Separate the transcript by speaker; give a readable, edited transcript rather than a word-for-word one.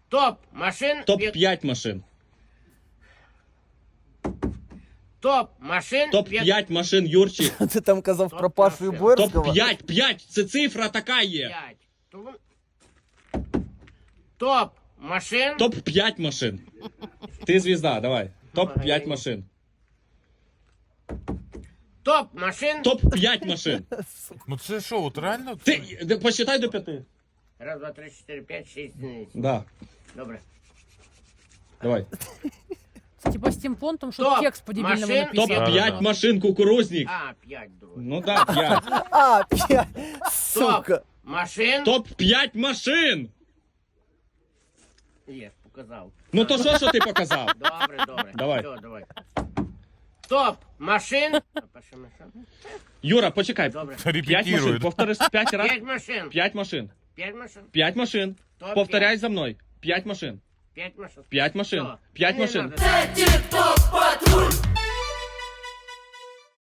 Speaker 1: Топ машин.
Speaker 2: Топ-5 машин.
Speaker 1: Топ машин.
Speaker 2: Топ-5 машин, Юрчик.
Speaker 3: Ти там казав
Speaker 1: Топ
Speaker 3: про Пашу і
Speaker 1: машин.
Speaker 3: Боярського?
Speaker 2: Топ-5, 5, це цифра така є.
Speaker 1: 5. Топ машин.
Speaker 2: Топ-5 машин. Ти звізда, давай. Топ-5 машин.
Speaker 1: Топ машин.
Speaker 2: Топ-5 машин.
Speaker 4: Ну це що, от реально?
Speaker 2: Ти посчитай до 5.
Speaker 1: Раз, два, три, 4, 5, 6.
Speaker 2: Да.
Speaker 1: Добре.
Speaker 2: Давай.
Speaker 5: Типа з тим понтом, що
Speaker 1: Топ
Speaker 5: текст по-дебільному
Speaker 1: машин.
Speaker 5: написано.
Speaker 2: Топ-5 машин кукурузник.
Speaker 1: А, 5, друзі.
Speaker 2: Ну да, 5.
Speaker 3: А, 5. Сука.
Speaker 1: Машин.
Speaker 2: Топ-5 машин.
Speaker 1: Є, показав.
Speaker 2: Ну то що ти показав?
Speaker 1: Добре.
Speaker 2: Давай.
Speaker 1: Все, давай. Топ машин.
Speaker 2: Юра, почекай.
Speaker 1: Добре.
Speaker 2: 5 машин.
Speaker 4: Репетирують.
Speaker 2: Повтори 5 раз.
Speaker 1: 5 машин.
Speaker 2: 5 машин.
Speaker 1: 5 машин.
Speaker 2: 5 машин.
Speaker 1: Топ
Speaker 2: Повторяй за мною. 5 машин.
Speaker 1: 5 машин.
Speaker 2: 5 машин.
Speaker 1: Все.
Speaker 2: 5
Speaker 1: Не
Speaker 2: машин.
Speaker 1: надо.